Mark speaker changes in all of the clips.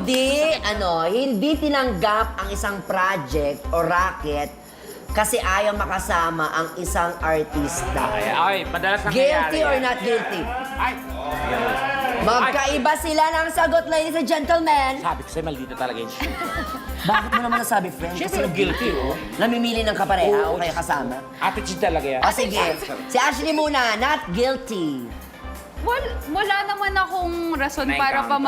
Speaker 1: hindi tinanggap ang isang project o racket kasi ayaw makasama ang isang artista.
Speaker 2: Ay, madalas nangyayari.
Speaker 1: Guilty or not guilty?
Speaker 2: Ay!
Speaker 1: Magkaiba sila ng sagot, ladies and gentlemen.
Speaker 2: Sabi ko sa'yo, maldita talaga yung shoe.
Speaker 1: Bakit mo naman nasabi, friend?
Speaker 2: Siyempre, guilty, oh.
Speaker 1: Namimili ng kapareha o kaya kasama?
Speaker 2: Attitude talaga yan.
Speaker 1: O sige, si Ashley muna, not guilty.
Speaker 3: Wala naman akong rason para pa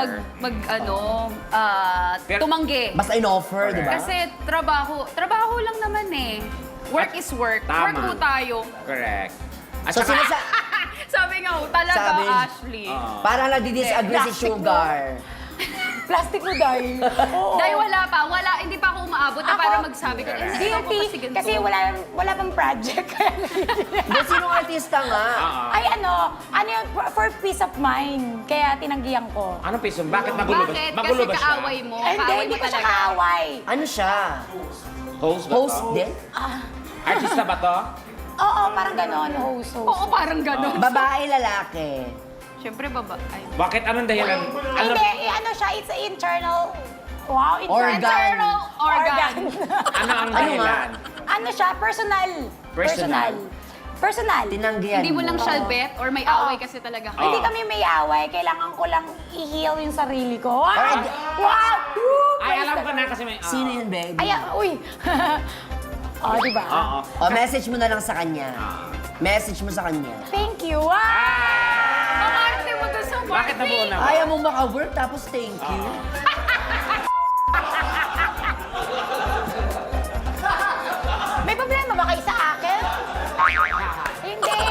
Speaker 2: Pero-
Speaker 3: tumanggi.
Speaker 1: Basta in-offer, di ba?
Speaker 3: Kasi trabaho lang naman eh. Work is work.
Speaker 2: Tama.
Speaker 3: Work po tayo.
Speaker 2: Correct. At
Speaker 1: So,
Speaker 2: saka,
Speaker 3: Sabi nga ho, talaga,
Speaker 1: Sabi-
Speaker 3: Ashley.
Speaker 1: Parang nagdi-disagree si
Speaker 4: Plastic mo.
Speaker 1: Sugar.
Speaker 4: Plastic mo, Day. Oo.
Speaker 3: Dahil hindi pa ako umaabot na
Speaker 4: Ako?
Speaker 3: para magsabi ko.
Speaker 4: Guilty. Kasi wala pang project.
Speaker 1: Hindi, sinong artista nga?
Speaker 4: Ay, ano yun, for peace of mind. Kaya tinanggihan ko.
Speaker 2: anong piso? Bakit magulo ba?
Speaker 3: Bakit?
Speaker 2: Magulo
Speaker 3: Kasi
Speaker 2: ba siya?
Speaker 3: kaaway mo.
Speaker 4: Ay,
Speaker 3: Kaaway
Speaker 4: hindi
Speaker 3: mo
Speaker 4: ko siya
Speaker 3: talaga.
Speaker 4: kaaway.
Speaker 1: Ano siya?
Speaker 2: Host ba
Speaker 1: Host
Speaker 2: to?
Speaker 1: din?
Speaker 2: Artista ba to?
Speaker 4: Oo, parang gano'n, host.
Speaker 3: Oo, parang gano'n.
Speaker 1: Babae, lalaki.
Speaker 3: Siyempre, ay.
Speaker 2: Bakit? Anong dahilan?
Speaker 4: Hindi, ano siya, it's an internal... Wow,
Speaker 1: Organ.
Speaker 3: Internal organ.
Speaker 2: Ano ang
Speaker 1: Ano
Speaker 2: dahilan?
Speaker 4: Ano siya, personal.
Speaker 2: Personal.
Speaker 4: Personal.
Speaker 1: Tinanggihan
Speaker 3: Hindi mo lang siya bet or may away kasi talaga kayo.
Speaker 4: Hindi kami may away, kailangan ko lang i-heal yung sarili ko. Wow!
Speaker 1: Alright.
Speaker 4: Wow! Woo!
Speaker 2: Ay, alam ko na kasi may...
Speaker 1: Sino yun, baby?
Speaker 4: Ay, uy! Diba?
Speaker 2: Oo.
Speaker 1: O, message mo na lang sa kanya. Message mo sa kanya.
Speaker 4: Thank you.
Speaker 3: Mamarte mo doon sa
Speaker 2: Bakit nabuo na?
Speaker 1: Ayaw mo maka-work, tapos thank you.
Speaker 4: May problema ba kayo sa akin? Hindi!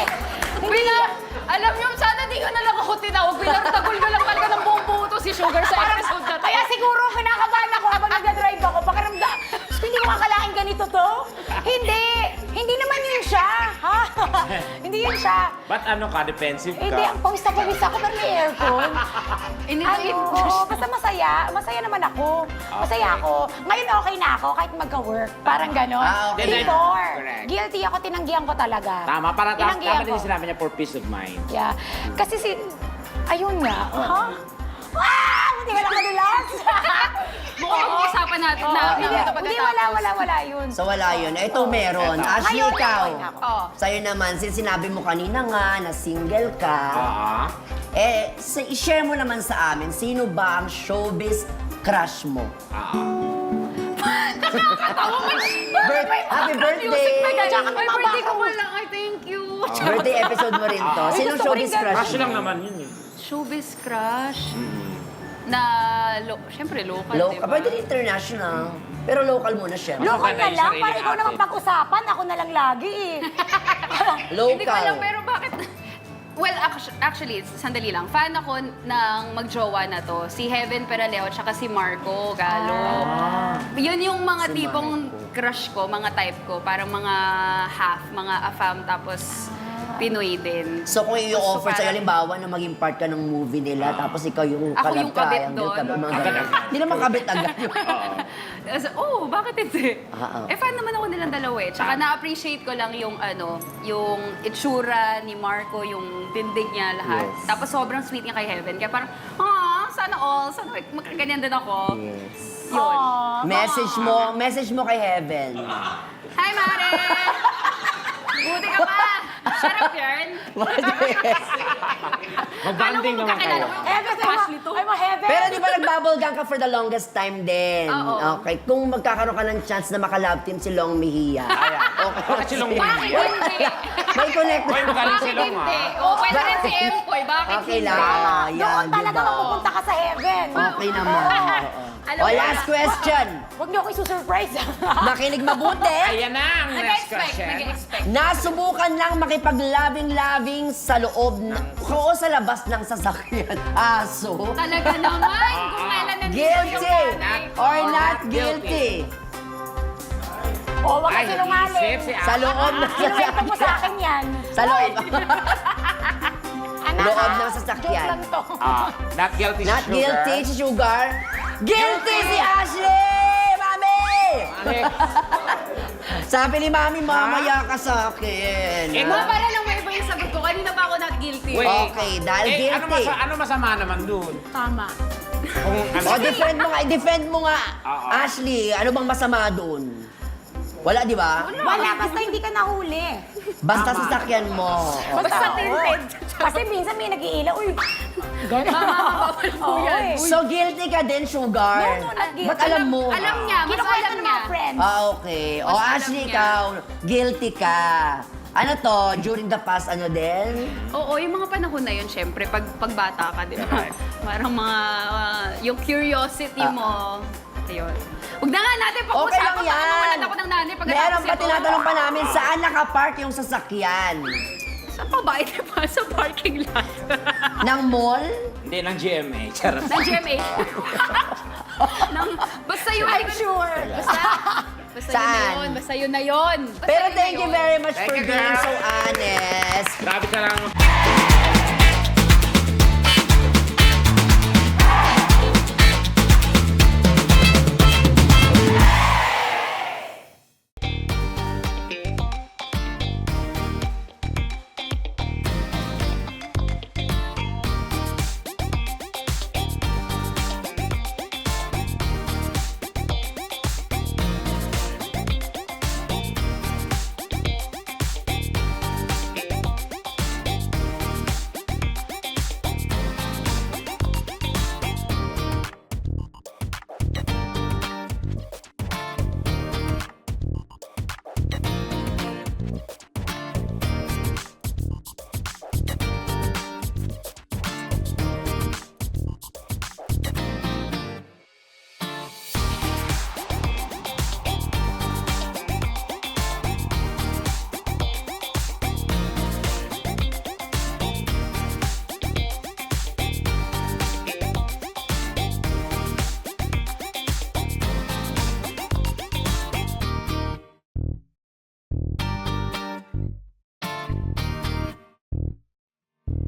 Speaker 3: Alam niyo, sana di ko na lang ako tinawag. Bilang tagol ko lang talaga ng buong buo to si Sugar sa episode na to.
Speaker 4: Kaya siguro kinakabahan ako habang nag-drive ako. Pakiramdam, hindi ko akalain ganito to. Hindi! Hindi naman yun siya. Ha? Hindi yun siya.
Speaker 2: Ba't ano ka? Defensive
Speaker 4: Hindi,
Speaker 2: ka?
Speaker 4: ang pawis na pawis ako pero may aircon. Basta masaya. Masaya naman ako. Masaya ako. Ngayon okay na ako kahit magka-work. Parang ganon.
Speaker 1: Okay.
Speaker 4: Before,
Speaker 2: Correct.
Speaker 4: guilty ako, tinanggihan ko talaga.
Speaker 2: Tama, para
Speaker 4: Tinanggihan
Speaker 2: tama din
Speaker 4: ko.
Speaker 2: yung sinabi niya for peace of mind.
Speaker 4: Yeah. Kasi ayun nga. Ha? Ah! Hindi ka lang kadulas.
Speaker 3: Mukhang pag-usapan natin na
Speaker 4: Hindi, hindi, wala yun.
Speaker 1: So, wala yun. Ito meron.
Speaker 2: Eto.
Speaker 1: Ashley,
Speaker 4: Ngayon,
Speaker 1: ikaw.
Speaker 4: okay na ako.
Speaker 3: Oh.
Speaker 1: Sa'yo naman, since sinabi mo kanina nga na single ka, i-share mo naman sa amin, sino ba ang showbiz crush mo? Happy birthday!
Speaker 4: Tsaka
Speaker 3: May
Speaker 4: tumaba
Speaker 3: birthday ko
Speaker 4: ako.
Speaker 3: pa lang. Ay, thank you.
Speaker 1: Birthday episode mo rin to. Sinong
Speaker 4: gusto ko rin
Speaker 1: showbiz crush
Speaker 2: Crush
Speaker 1: mo?
Speaker 2: lang naman yun eh.
Speaker 3: Showbiz crush. Na, syempre local,
Speaker 1: Local.
Speaker 3: diba?
Speaker 1: Pwede rin international. Pero local muna siya.
Speaker 4: Local
Speaker 2: Maganda
Speaker 4: na
Speaker 2: yung
Speaker 4: lang,
Speaker 2: sarili
Speaker 4: para ikaw
Speaker 2: natin.
Speaker 4: naman pag-usapan, ako na lang lagi eh.
Speaker 3: Hindi ko alam,
Speaker 1: Local.
Speaker 3: pero bakit? Well, actually, sandali lang. Fan ako ng magjowa na to. Si Heaven Peraleo at si Marco Galo. Yun yung mga
Speaker 1: Si
Speaker 3: tipong crush ko, mga type ko. Parang mga half, mga afam, tapos Pinoy din.
Speaker 1: So kung i-offer
Speaker 3: So,
Speaker 1: sa'yo,
Speaker 3: parang-
Speaker 1: halimbawa na maging part ka ng movie nila, tapos ikaw yung
Speaker 3: Ako
Speaker 1: kalab
Speaker 3: yung
Speaker 1: ka,
Speaker 3: kabit
Speaker 1: triangle
Speaker 3: doon.
Speaker 1: ka, mga ganun. Hindi naman kabit agad.
Speaker 3: Bakit hindi?
Speaker 1: Ah.
Speaker 3: Fan naman ako nilang dalawa eh. Tsaka na-appreciate ko lang yung yung itsura ni Marco, yung tindig niya lahat.
Speaker 1: Yes.
Speaker 3: Tapos sobrang sweet niya kay Heaven. Kaya parang, sana magkaganyan din ako.
Speaker 1: Yes.
Speaker 3: Yun.
Speaker 1: Message mo kay Heaven.
Speaker 3: Hi, Mare! Buti ka pa! Shut up, Yarn!
Speaker 2: Mag-banding naman kayo.
Speaker 3: Ashley to.
Speaker 4: Ay, ma-heaven.
Speaker 1: Pero di ba nag-bubble gang ka for the longest time din?
Speaker 3: Oo.
Speaker 1: Okay. Kung magkakaroon ka ng chance na maka-love team si Long Mejia. Okay.
Speaker 2: Bakit si Long
Speaker 3: Bakit
Speaker 2: Mejia?
Speaker 3: hindi?
Speaker 1: May connect.
Speaker 2: Hoy, magaling si
Speaker 3: Bakit
Speaker 2: Long
Speaker 3: hindi?
Speaker 2: ah.
Speaker 3: O, pwede rin si Empoy. Bakit
Speaker 1: Okay
Speaker 3: hindi?
Speaker 1: lang.
Speaker 4: Doon
Speaker 1: Yan,
Speaker 4: talaga
Speaker 1: diba?
Speaker 4: mapupunta ka sa heaven.
Speaker 1: Okay naman.
Speaker 3: Alam
Speaker 1: O,
Speaker 3: mo
Speaker 1: last
Speaker 3: na.
Speaker 1: question.
Speaker 4: Huwag niyo ako isusurprise.
Speaker 1: Makinig mabuti.
Speaker 2: Ayan na ang next
Speaker 3: Nag-expect,
Speaker 2: question.
Speaker 3: nag-expect.
Speaker 1: Nasubukan lang makipaglabing-labing sa loob o sa labas ng sasakyan. Aso.
Speaker 3: Talaga naman, kung kailan nandito yung
Speaker 1: Guilty
Speaker 3: nanay ko.
Speaker 1: or not guilty?
Speaker 4: O, wag
Speaker 2: Ay,
Speaker 4: ka sinungaling.
Speaker 2: nag-isip si
Speaker 1: Sa loob ng
Speaker 4: Kinuwento mo sa
Speaker 1: sasakyan.
Speaker 4: akin yan.
Speaker 1: Sa loob.
Speaker 4: Anak,
Speaker 1: Loob ng
Speaker 4: Joke
Speaker 1: sasakyan.
Speaker 4: lang to.
Speaker 2: Not guilty
Speaker 1: Not
Speaker 2: sugar.
Speaker 1: guilty si Sugar. Guilty si Ashley! Mami! Sabi ni Mami, mamaya ka sa akin.
Speaker 3: Ma, para lang may iba yung sagot ko. Kanina pa ako not guilty.
Speaker 2: Wait.
Speaker 1: Okay, dahil guilty.
Speaker 2: Ano masama naman dun?
Speaker 3: Tama.
Speaker 2: Kung ano,
Speaker 1: O, defend mo nga.
Speaker 2: Oo.
Speaker 1: Ashley, ano bang masama doon? Wala, di ba?
Speaker 4: Wala, basta hindi ka nahuli.
Speaker 1: Basta sasakyan mo.
Speaker 3: Basta
Speaker 4: oo.
Speaker 3: tinted.
Speaker 4: Kasi minsan may nag-iila, uy. Gano'n.
Speaker 3: Bawal po yan.
Speaker 1: So, guilty ka din, Sugar?
Speaker 4: No, not guilty.
Speaker 1: Ba't alam mo?
Speaker 3: Alam niya, mas
Speaker 4: Kinukwento
Speaker 3: alam
Speaker 4: ng
Speaker 3: niya.
Speaker 4: mga friends.
Speaker 1: Ah, okay. O,
Speaker 3: Mas alam
Speaker 1: Ashley,
Speaker 3: niya.
Speaker 1: ikaw, guilty ka. Ano to, during the past, ano din?
Speaker 3: Oo, yung mga panahon na yun, syempre, pag bata ka, di ba? Parang mga, yung curiosity mo, ayun. Huwag na nga natin
Speaker 1: Okay
Speaker 3: pag-usapan,
Speaker 1: lang
Speaker 3: baka
Speaker 1: yan.
Speaker 3: mawalan ako ng nanay pag
Speaker 1: Meron pa, tinatanong pa namin, saan nakapark yung sasakyan?
Speaker 3: Sa pa ba? Di ba? Sa parking lot.
Speaker 1: Ng mall?
Speaker 2: hindi, ng GMA. Charot.
Speaker 3: ng GMA. Basta yun.
Speaker 4: I'm sure.
Speaker 3: Basta
Speaker 1: Saan?
Speaker 3: yun na yun. Basta yun na yun. Basta
Speaker 1: Pero
Speaker 3: yun na
Speaker 1: thank you
Speaker 3: yun.
Speaker 1: very much
Speaker 2: Thank
Speaker 1: for
Speaker 2: you,
Speaker 1: being
Speaker 2: girl.
Speaker 1: so honest.
Speaker 2: Grabe ka lang.